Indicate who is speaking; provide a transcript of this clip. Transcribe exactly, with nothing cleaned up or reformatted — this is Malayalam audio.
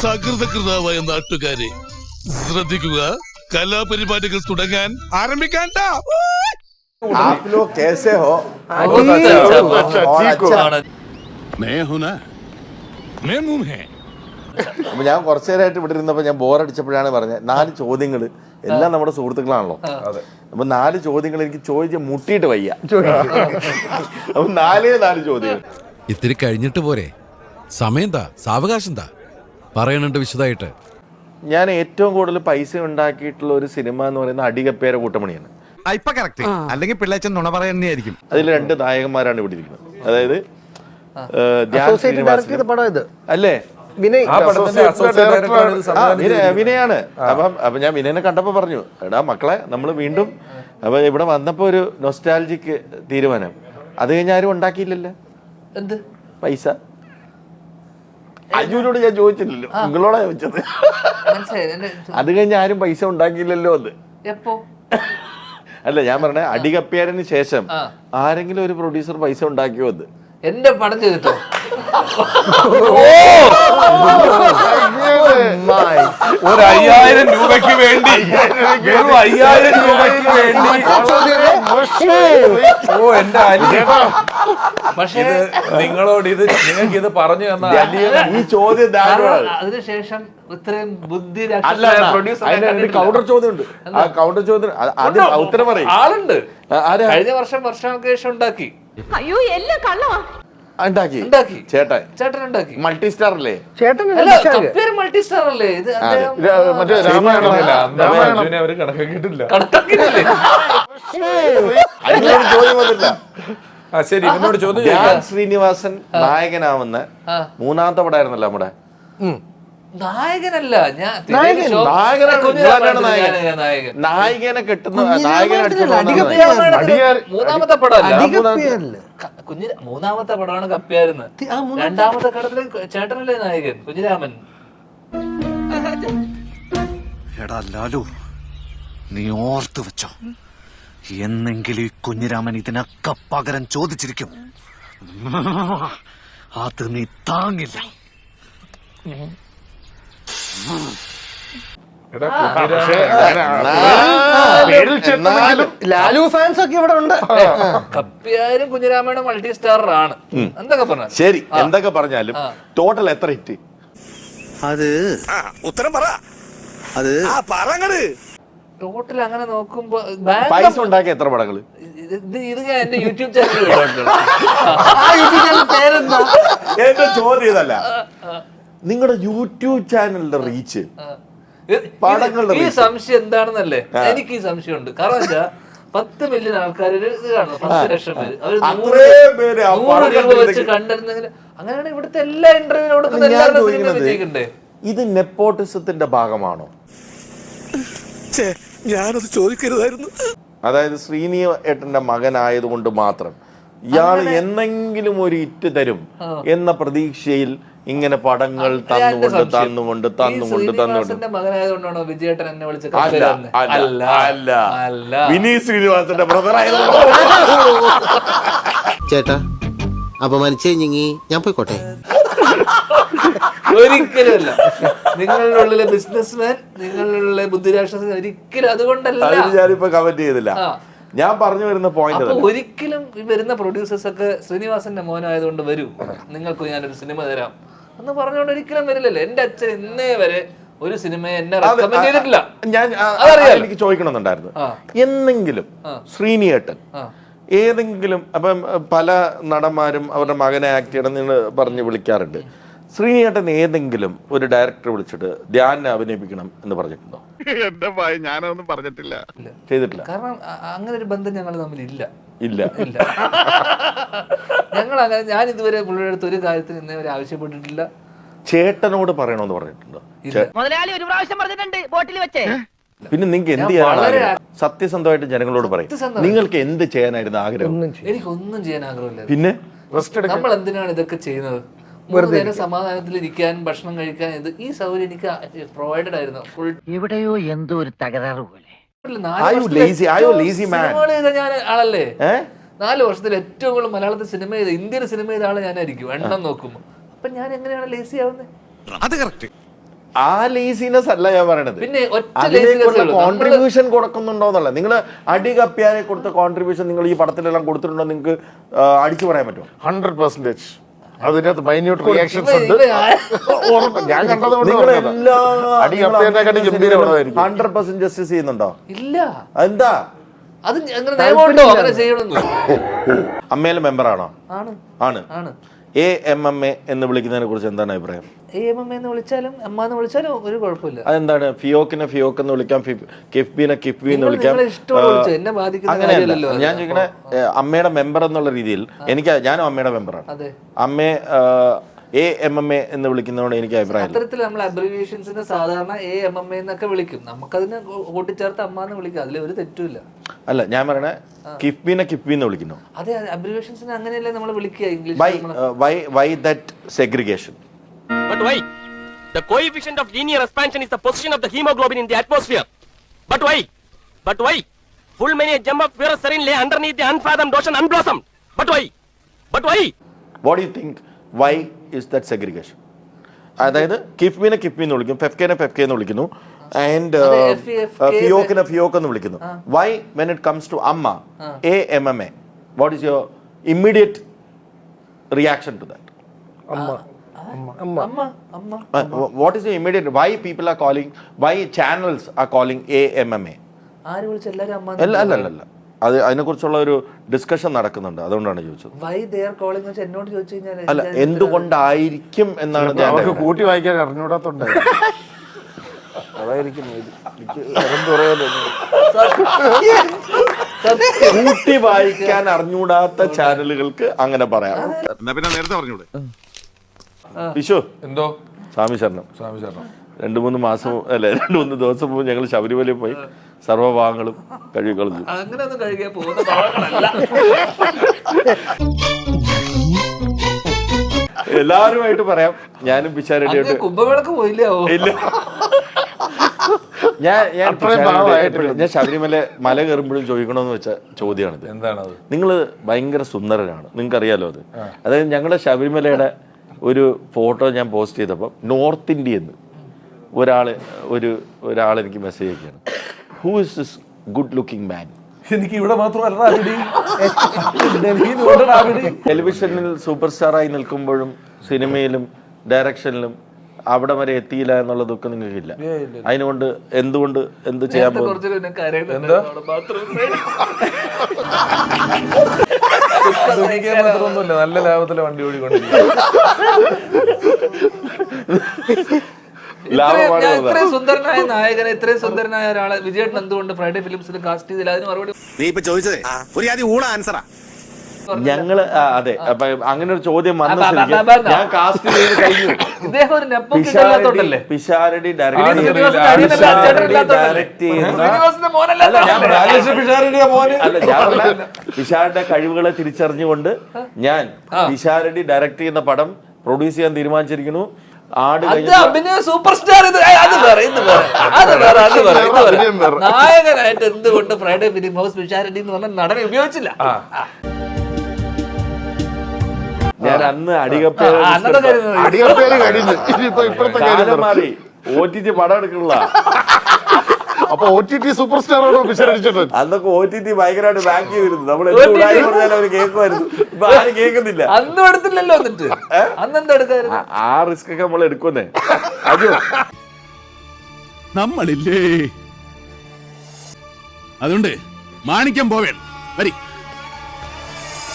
Speaker 1: സകൃതകൃതാവായ നാട്ടുകാരെ ശ്രദ്ധിക്കുക, കലാപരിപാടികൾ തുടങ്ങാൻ ആരംഭിക്കാൻ.
Speaker 2: आप लोग कैसे हो? അപ്പൊ ഞാൻ കുറച്ചു നേരമായിട്ട് ഇവിടെ ഇരുന്നപ്പോ ഞാൻ ബോറടിച്ചപ്പോഴാണ് പറഞ്ഞത് നാല് ചോദ്യങ്ങൾ എല്ലാം നമ്മുടെ സുഹൃത്തുക്കളാണല്ലോ. അപ്പൊ നാല് ചോദ്യങ്ങൾ എനിക്ക് ചോദിച്ച് മുട്ടിയിട്ട് വയ്യ. അപ്പൊ നാലേ നാല് ചോദ്യങ്ങൾ.
Speaker 3: ഇത്തിരി കഴിഞ്ഞിട്ട് പോരെ, സമയം എന്താ, സാവകാശം എന്താ പറയണുണ്ട് വിശദമായിട്ട്.
Speaker 2: ഞാൻ ഏറ്റവും കൂടുതൽ പൈസ ഉണ്ടാക്കിയിട്ടുള്ള ഒരു സിനിമ എന്ന് പറയുന്നത് അടികപ്പേര കൂട്ടമണിയാണ്.
Speaker 4: അല്ലെങ്കിൽ പിള്ളേച്ചൻ നുണ പറയുന്നതായിരിക്കും.
Speaker 2: അതിൽ രണ്ട് നായകന്മാരാണ് ഇവിടെ ഇരിക്കുന്നത്. അതായത് അല്ലേ വിനയാണ്. അപ്പം അപ്പൊ ഞാൻ വിനയനെ കണ്ടപ്പോ പറഞ്ഞു, എടാ മക്കളെ നമ്മൾ വീണ്ടും അപ്പൊ ഇവിടെ വന്നപ്പോ ഒരു നൊസ്റ്റാൾജിക്ക് തീരുമാനം. അത് കഴിഞ്ഞ് ആരും ഉണ്ടാക്കിയില്ലല്ലോ
Speaker 5: എന്ത് പൈസ.
Speaker 2: അജുവിനോട് ഞാൻ ചോദിച്ചില്ലല്ലോ, നിങ്ങളോടാ ചോദിച്ചത്. അത് കഴിഞ്ഞ് ആരും പൈസ ഉണ്ടാക്കിയില്ലല്ലോ. അത്
Speaker 5: എപ്പോ
Speaker 2: അല്ല ഞാൻ പറഞ്ഞ അടികപ്പേരന് ശേഷം ആരെങ്കിലും ഒരു പ്രൊഡ്യൂസർ പൈസ ഉണ്ടാക്കിയോ? അത്
Speaker 5: എന്റെ പടം ചെയ്തിട്ടോ?
Speaker 4: ഒരു അയ്യായിരം രൂപയ്ക്ക് വേണ്ടി അയ്യായിരം രൂപയ്ക്ക് വേണ്ടി ഓ എന്റെ അലിയേട്ടാ, പക്ഷേ നിങ്ങളോട് ഇത് നിങ്ങൾക്ക് ഇത് പറഞ്ഞു തന്ന
Speaker 2: ഈ ചോദ്യം
Speaker 5: അതിനുശേഷം ഇത്രയും ബുദ്ധി
Speaker 2: കൗണ്ടർ ചോദ്യം ഉണ്ട്. ആ കൗണ്ടർ ചോദ്യം ഉത്തരം പറയും
Speaker 5: ആളുണ്ട്. കഴിഞ്ഞ വർഷം വർഷങ്ങൾക്ക് ശേഷം ഉണ്ടാക്കി.
Speaker 6: അയ്യോ എല്ലാം കള്ളവാ.
Speaker 2: ഉണ്ടാക്കി
Speaker 5: ഉണ്ടാക്കി
Speaker 2: ചേട്ടൻ
Speaker 5: ചേട്ടൻ ഉണ്ടാക്കി.
Speaker 2: മൾട്ടി സ്റ്റാർ അല്ലേ?
Speaker 5: ചേട്ടൻ മൾട്ടി സ്റ്റാർ അല്ലേ? ഇത്
Speaker 2: മറ്റേ രാമായണമല്ല,
Speaker 4: അവര് കണക്കാക്കിയിട്ടില്ല.
Speaker 2: ചോദ്യം വന്നില്ല.
Speaker 4: ശരി, ഇവനോട് ചോദ്യം.
Speaker 2: ധ്യാൻ ശ്രീനിവാസൻ നായകനാവുന്ന മൂന്നാമത്തെ പടമായിരുന്നല്ലോ നമ്മുടെ.
Speaker 5: നായകനല്ല ഞാൻ
Speaker 2: നായകനെ കെട്ടുന്ന നായകനെ
Speaker 5: മൂന്നാമത്തെ പടമല്ല, കുഞ്ഞി മൂന്നാമത്തെ പടമാണ് കപ്പിയായിരുന്നു. രണ്ടാമത്തെ കടത്തിലെ ചേട്ടനല്ലേ നായകൻ കുഞ്ഞിരാമൻ.
Speaker 7: എടാ ലാലു, നീ ഓർത്തു വെച്ചോ, എന്നെങ്കിലും ഈ കുഞ്ഞിരാമൻ ഇതിനൊക്കെ പകരം ചോദിച്ചിരിക്കും. അത് നീ താങ്ങില്ല.
Speaker 4: ലാലു ഫാൻസ് ഒക്കെ ഇവിടെ ഉണ്ട്.
Speaker 5: കപ്പിയാരും കുഞ്ഞിരാമയുടെ മൾട്ടി സ്റ്റാറാണ്. എന്തൊക്കെ പറഞ്ഞാൽ
Speaker 2: ശരി, എന്തൊക്കെ പറഞ്ഞാലും ടോട്ടൽ എത്ര ഹിറ്റ്?
Speaker 7: അത് ഉത്തരം പറ. അത് പറങ്ങട്
Speaker 5: ടോട്ടൽ അങ്ങനെ നോക്കുമ്പോ
Speaker 2: പൈസ ഉണ്ടാക്കിയ എത്ര പടങ്ങള്?
Speaker 5: ഇത് ഞാൻ എന്റെ യൂട്യൂബ് ചാനൽ പേരെന്താ?
Speaker 2: എന്റെ ചോദ്യം ഇതല്ല, നിങ്ങളുടെ യൂട്യൂബ് ചാനലിന്റെ റീച്ച്, പടങ്ങളുടെ
Speaker 5: ഈ സംശയം എന്താണെന്നല്ലേ? എനിക്ക് ഈ സംശയമുണ്ട്. കാരണം വെച്ചാ പത്ത് മില്യൺ ആൾക്കാർ ഇത് കാണുന്നു, പത്ത് ലക്ഷം പേര്, അവര് രൂപ വെച്ച് കണ്ടിരുന്നെങ്കിൽ അങ്ങനെയാണ് ഇവിടുത്തെ എല്ലാ ഇന്റർവ്യൂ കൊടുക്കുന്ന എല്ലാവരുടെ സിനിമ വിജയിക്കണ്ടേ?
Speaker 2: ഇത് നെപ്പോട്ടിസത്തിന്റെ ഭാഗമാണോ?
Speaker 7: ഞാനത് ചോദിക്കരുതായിരുന്നു.
Speaker 2: അതായത് ശ്രീനി ഏട്ടന്റെ മകനായതുകൊണ്ട് മാത്രം ഇയാൾ എന്നെങ്കിലും ഒരു ഇറ്റ് തരും എന്ന പ്രതീക്ഷയിൽ ഇങ്ങനെ പടങ്ങൾ തന്നുകൊണ്ട് തന്നുകൊണ്ട് തന്നുകൊണ്ട് തന്നുകൊണ്ട്
Speaker 5: മകനായതുകൊണ്ടാണോ വിജയേട്ടൻ എന്നെ വിളിച്ചത്?
Speaker 2: അല്ല, വിനീത് ശ്രീനിവാസന്റെ ബ്രദർ ആയതുകൊണ്ട്.
Speaker 8: ചേട്ടാ അപമാനിച്ചേ ഞാൻ പോയിക്കോട്ടെ.
Speaker 5: ഒരിക്കലുമല്ല. നിങ്ങളുടെ ഉള്ളിലെ ബിസിനസ്മാൻ, നിങ്ങളുടെ ഉള്ളിലെ ബുദ്ധിരാക്ഷസൻ, ഒരിക്കലും അതുകൊണ്ടല്ല.
Speaker 2: ഞാനിപ്പോ കമന്റ് ചെയ്തില്ല. ഞാൻ പറഞ്ഞു വരുന്ന പോയിന്റ്,
Speaker 5: ഒരിക്കലും വരുന്ന പ്രൊഡ്യൂസേഴ്സ് ഒക്കെ ശ്രീനിവാസന്റെ മോനായതുകൊണ്ട് വരൂ, നിങ്ങൾക്ക് ഞാനൊരു സിനിമ തരാം എന്ന് പറഞ്ഞുകൊണ്ട് ഒരിക്കലും വരില്ലല്ലോ. എന്റെ അച്ഛൻ ഇന്നേ വരെ ഒരു സിനിമയെ എന്നെ റെക്കമെൻഡ് ചെയ്തിട്ടില്ല.
Speaker 2: ഞാൻ എനിക്ക് ചോദിക്കണമെന്നുണ്ടായിരുന്നു, എന്നെങ്കിലും ശ്രീനിയേട്ടൻ ഏതെങ്കിലും, അപ്പം പല നടന്മാരും അവരുടെ മകനെ ആക്ട് ചെയ്യണം എന്ന് പറഞ്ഞ് വിളിക്കാറുണ്ട്. ശ്രീനിയേട്ടൻ ഏതെങ്കിലും ഒരു ഡയറക്ടർ വിളിച്ചിട്ട് ധ്യാനെ അഭിനയിപ്പിക്കണം എന്ന് പറഞ്ഞിട്ടുണ്ടോ?
Speaker 1: എന്റെ ഭയ ഞാനൊന്നും പറഞ്ഞിട്ടില്ല,
Speaker 2: ചെയ്തിട്ടില്ല.
Speaker 5: കാരണം അങ്ങനെ ഒരു ബന്ധം ഞങ്ങൾ തമ്മിൽ ഇല്ല
Speaker 2: ഇല്ല
Speaker 5: ഇല്ല ഞങ്ങൾ അങ്ങനെ, ഞാൻ ഇതുവരെ പുള്ളിയുടെ അടുത്ത് ഒരു കാര്യത്തിന് ഇന്നേ വരെ ആവശ്യപ്പെട്ടിട്ടില്ല.
Speaker 2: ചേട്ടനോട് പറയണമെന്ന് പറഞ്ഞിട്ടുണ്ടോ?
Speaker 6: മുതലാളി ഒരു പ്രാവശ്യം പറഞ്ഞിട്ടുണ്ട് ബോട്ടിൽ വെച്ചേ.
Speaker 2: പിന്നെ നിങ്ങൾക്ക് എന്ത് ചെയ്യാനാണ്? സത്യസന്ധമായിട്ട് ജനങ്ങളോട് പറയും, നിങ്ങൾക്ക് എന്ത് ചെയ്യാനായിരുന്നു ആഗ്രഹം?
Speaker 5: എനിക്കൊന്നും ചെയ്യാൻ ആഗ്രഹമില്ല.
Speaker 2: പിന്നെ
Speaker 5: നമ്മൾ എന്തിനാണ് ഇതൊക്കെ ചെയ്യുന്നത്? മൂന്ന് നേരം സമാധാനത്തിൽ ഇരിക്കാൻ, ഭക്ഷണം കഴിക്കാൻ, ഇത് ഈ സൗകര്യം എനിക്ക് പ്രൊവൈഡഡ് ആയിരുന്നു. ഫുൾ
Speaker 8: എവിടെയോ എന്തോ ഒരു തകരാറ് പോലെ.
Speaker 5: ഞാൻ ആളല്ലേ, നാല് വർഷത്തിൽ ഏറ്റവും കൂടുതൽ മലയാളത്തിൽ സിനിമ ചെയ്ത, ഇന്ത്യൻ സിനിമ ചെയ്ത ആള് ഞാനായിരിക്കും എണ്ണം നോക്കുമ്പോ. അപ്പൊ ഞാൻ എങ്ങനെയാണ് ലേസി ആവുന്നത്?
Speaker 7: അത് കറക്റ്റ്.
Speaker 2: ആ ലേസിനെസ് അല്ല ഞാൻ പറയണത്.
Speaker 5: പിന്നെ ഒറ്റ
Speaker 2: അതിലേക്കുള്ള കോൺട്രിബ്യൂഷൻ കൊടുക്കുന്നുണ്ടോന്നല്ല. നിങ്ങൾ അടി കപ്പിയാരെ കൊടുത്ത കോൺട്രിബ്യൂഷൻ നിങ്ങൾ ഈ പടത്തിലെല്ലാം കൊടുത്തിട്ടുണ്ടോ നിങ്ങൾക്ക് അടിച്ചു പറയാൻ പറ്റുമോ?
Speaker 1: ഹൺഡ്രഡ് പെർസെന്റേജ് അതിനകത്ത് മൈന്യൂട്ട് റിയാക്ഷൻസ് ഉണ്ട്. ഞാൻ കണ്ടത്
Speaker 2: ഹൺഡ്രഡ് പെർസെന്റ് ജസ്റ്റിസ് ചെയ്യുന്നുണ്ടോ?
Speaker 5: ഇല്ല.
Speaker 2: എന്താ
Speaker 5: അത് അങ്ങനെ നിയമമുണ്ടോ അങ്ങനെ ചെയ്യണമെന്ന്?
Speaker 2: അമ്മയിലെ മെമ്പറാണോ?
Speaker 5: ആണ്
Speaker 2: ആണ്
Speaker 5: ആണ്
Speaker 2: എ എം എം എ എന്ന് വിളിക്കുന്നതിനെ കുറിച്ച് എന്താണ് അഭിപ്രായം?
Speaker 5: എ എം എം എന്ന് വിളിച്ചാലും അമ്മ എന്ന് വിളിച്ചാലും ഒരു കുഴപ്പമില്ല.
Speaker 2: അതെന്താണ്? ഫിയോക്കിനെ ഫിയോക്ക് എന്ന് വിളിക്കാം, കിഫ്ബിനെ കിഫ്ബി എന്ന് വിളിക്കാം.
Speaker 5: എന്നെ ബാധിക്കുന്ന
Speaker 2: അങ്ങനെയല്ല ഞാൻ ചോദിക്കണേ. അമ്മയുടെ മെമ്പർ എന്നുള്ള രീതിയിൽ എനിക്ക്, ഞാനും അമ്മയുടെ മെമ്പറാണ്. അമ്മയെ എ എം എം എ എന്ന് വിളിക്കുന്നതോട് എനിക്ക് അഭിപ്രായം.
Speaker 5: അത്തരത്തിൽ നമ്മൾ അബ്രിവിയേഷൻസിന് സാധാരണ എ എം എം എ എന്നൊക്കെ വിളിക്കും. നമുക്കതിനെ കൂട്ടിച്ചേർത്ത് അമ്മ എന്ന് വിളിക്കാം, അതിൽ ഒരു തെറ്റുമില്ല.
Speaker 2: അല്ല ഞാൻ പറയണേ കിഫ്ബിനെ കിഫ്ബി എന്ന് വിളിക്കുന്നു.
Speaker 5: അതെ, അബ്രിവിയേഷൻസിന് അങ്ങനെയല്ലേ നമ്മൾ വിളിക്കുക English.
Speaker 2: Why why that segregation?
Speaker 9: But why? The coefficient of linear expansion is the position of the hemoglobin in the atmosphere. But why? But why? Full many a gem of pure serene lay underneath the unfathomed ocean unblossomed. But why? But why?
Speaker 2: What do you think? Why is that segregation? അതായത് കിഫ്ബിനെ കിഫ്ബി എന്ന് വിളിക്കും, ഫെഫ്കെനെ ഫെഫ്കെ എന്ന് വിളിക്കുന്നു, ആൻഡ് ഫിയോക്കിനെ ഫിയോക്ക് എന്ന് വിളിക്കുന്നു. Why when it comes to AMMA A M M A, what is your immediate reaction to that? What is your immediate, why people are calling, why channels are calling A M M A?
Speaker 5: ആര് വിളിച്ച എല്ലാവരും അമ്മ?
Speaker 2: അല്ല അല്ല അല്ല അത് അതിനെക്കുറിച്ചുള്ള ഒരു ഡിസ്കഷൻ നടക്കുന്നുണ്ട്, അതുകൊണ്ടാണ് ചോദിച്ചത്.
Speaker 5: വൈ ദേ ആർ കോളിംഗ് എന്ന് എന്നോട് ചോദിച്ചു കഴിഞ്ഞാൽ
Speaker 2: അല്ല എന്തുകൊണ്ടായിരിക്കും എന്നാണ് ഞാൻ
Speaker 1: കൂട്ടി വായിക്കാൻ അറിഞ്ഞൂടാത്തോണ്ട് അതായിരിക്കും
Speaker 2: കൂട്ടി വായിക്കാൻ അറിഞ്ഞൂടാത്ത ചാനലുകൾക്ക് അങ്ങനെ പറയാം.
Speaker 1: പിന്നെ നേരത്തെ പറഞ്ഞൂടെ
Speaker 2: വിഷു
Speaker 4: എന്തോ
Speaker 2: സ്വാമി ശരണം.
Speaker 4: സ്വാമി ശരണം.
Speaker 2: രണ്ടു മൂന്ന് മാസം അല്ലെ രണ്ടു മൂന്ന് ദിവസം മുമ്പ് ഞങ്ങൾ ശബരിമലയിൽ പോയി സർവ്വഭാഗങ്ങളും കഴുകി കളഞ്ഞു.
Speaker 5: അങ്ങനെയൊന്നും കഴുകിയാൽ പോകുന്ന ഭാഗങ്ങളല്ല.
Speaker 2: എല്ലാവരുമായിട്ട് പറയാം, ഞാനും പിഷാരടിയായിട്ട്
Speaker 5: കുംഭമേളക്ക് പോയില്ലേ?
Speaker 2: ഇല്ല, ഞാൻ ഞാൻ ഞാൻ ശബരിമല മല കയറുമ്പോഴും ചോദിക്കണമെന്ന് വെച്ച ചോദ്യമാണിത്.
Speaker 4: എന്താണത്?
Speaker 2: നിങ്ങൾ ഭയങ്കര സുന്ദരനാണ്, നിങ്ങൾക്ക് അറിയാലോ അത്. അതായത് ഞങ്ങളുടെ ശബരിമലയുടെ ഒരു ഫോട്ടോ ഞാൻ പോസ്റ്റ് ചെയ്തപ്പോൾ നോർത്ത് ഇന്ത്യന്ന് ഒരാൾ ഒരു ഒരാൾ എനിക്ക് മെസ്സേജ് അയക്കുകയാണ്, who is this good looking man?
Speaker 4: എനിക്ക് ഇവിടെ മാത്രമല്ല,
Speaker 2: ടെലിവിഷനിൽ സൂപ്പർ സ്റ്റാറായി നിൽക്കുമ്പോഴും സിനിമയിലും ഡയറക്ഷനിലും അവിടെ വരെ എത്തിയില്ല എന്നുള്ള ദുഃഖം നിങ്ങൾക്കില്ല. അതിനുകൊണ്ട് എന്തുകൊണ്ട് എന്ത് ചെയ്യാൻ പോകും?
Speaker 4: മാത്രമൊന്നുമില്ല, നല്ല ലാഭത്തിലെ വണ്ടി ഓടിക്കൊണ്ടിരിക്കും.
Speaker 5: ഇത്രയും സുന്ദരനായ നായകനെ, ഇത്രയും സുന്ദരനായ ഒരാളെ വിജയേട്ടൻ എന്തുകൊണ്ട് ഫ്രൈഡേ ഫിലിംസിൽ കാസ്റ്റ് ചെയ്തില്ല? അതിന് മറുപടി
Speaker 7: നീ ഇപ്പൊ ചോദിച്ചതേ ഒരു ആദ്യം ഊള ആൻസറാ.
Speaker 2: ഞങ്ങള് അതെ അപ്പൊ അങ്ങനെ ഒരു ചോദ്യം വന്ന ഞാൻ കാസ്റ്റ് ചെയ്ത് കഴിഞ്ഞു.
Speaker 5: ഇദ്ദേഹം ഒരു നെപ്പോക്കില്ലാത്തോണ്ടല്ലേ
Speaker 2: പിഷാരടി ഡയറക്ട് പിഷാരുടെ കഴിവുകളെ തിരിച്ചറിഞ്ഞുകൊണ്ട് ഞാൻ പിഷാരടി ഡയറക്ട് ചെയ്യുന്ന പടം പ്രൊഡ്യൂസ് ചെയ്യാൻ തീരുമാനിച്ചിരിക്കുന്നു. ആട്
Speaker 5: അഭിനയ സൂപ്പർ സ്റ്റാർ നായകനായിട്ട് എന്തുകൊണ്ട് ഫ്രൈഡേ ഫിലിം ഹൗസ് പിഷാരടി എന്ന് പറഞ്ഞ നടനെ ഉപയോഗിച്ചില്ല?
Speaker 2: ഞാൻ അന്ന് അടികപ്പേര് മാറി ഒ ടി ടി പടം എടുക്കണില്ല.
Speaker 1: അപ്പൊ ഒ ടി ടി സൂപ്പർ സ്റ്റാറാണോ പിഷാരടിച്ചത്?
Speaker 2: അന്നൊക്കെ ഒ ടി ടി ഭയങ്കരമായിട്ട് ബാക്ക് ചെയ്തിരുന്നു. നമ്മൾ എന്ത് പറഞ്ഞാലും അവര് കേൾക്കുമായിരുന്നു. ഇപ്പൊ ആരും കേൾക്കുന്നില്ല.
Speaker 5: അന്നും എടുത്തില്ലല്ലോ. എന്നിട്ട് അന്നെന്താ എടുക്കായിരുന്നു?
Speaker 2: ആ റിസ്ക് ഒക്കെ നമ്മൾ എടുക്കുന്നേ. അജു
Speaker 3: നമ്മളില്ലേ, അതുകൊണ്ട് മാണിക്യം പോവേണം. വരി.